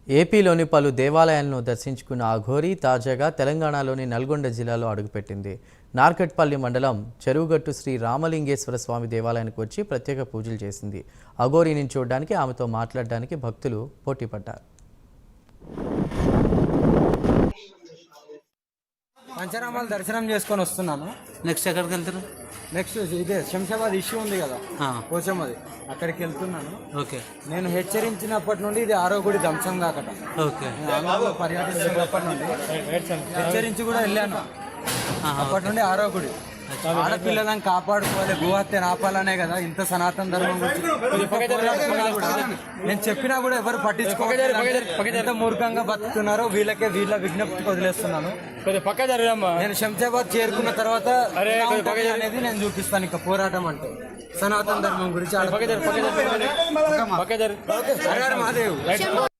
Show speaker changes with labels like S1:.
S1: ఏపీలోని పలు దేవాలయాలను దర్శించుకున్న ఆ ఘోరీ తాజాగా తెలంగాణలోని నల్గొండ జిల్లాలో అడుగుపెట్టింది. నార్కట్పల్లి మండలం చెరువుగట్టు శ్రీ రామలింగేశ్వర స్వామి దేవాలయానికి వచ్చి ప్రత్యేక పూజలు చేసింది. అఘోరీని చూడడానికి, ఆమెతో మాట్లాడడానికి భక్తులు పోటీపడ్డారు.
S2: పంచరామాలు దర్శనం చేసుకొని వస్తున్నాను.
S3: నెక్స్ట్ ఎక్కడికి వెళ్తారు?
S2: నెక్స్ట్ ఇదే శంషాబాద్ ఇష్యూ ఉంది కదా, పోచమ్మది, అక్కడికి వెళ్తున్నాను.
S3: ఓకే.
S2: నేను హెచ్చరించినప్పటి నుండి ఇది ఆరో గుడి ధ్వంసం కాకట.
S3: ఓకే.
S2: ఆంధ్రలో పర్యటిస్తున్నప్పటి నుండి హెచ్చరించి కూడా వెళ్ళాను. అప్పటి నుండి ఆరో గుడి. ఆడపిల్లలను కాపాడుకోవాలి, భూహత్యను ఆపాలనే కదా ఇంత సనాతన ధర్మం నేను చెప్పినా కూడా ఎవరు పట్టించుకోవాలి. ఎంత మూర్ఖంగా బతుకుతున్నారో వీళ్ళ విజ్ఞప్తికి వదిలేస్తున్నాను. నేను శంషాబాద్ చేరుకున్న తర్వాత అనేది నేను చూపిస్తాను. ఇక పోరాటం అంటే సనాతన ధర్మం గురించి. మహాదేవ్.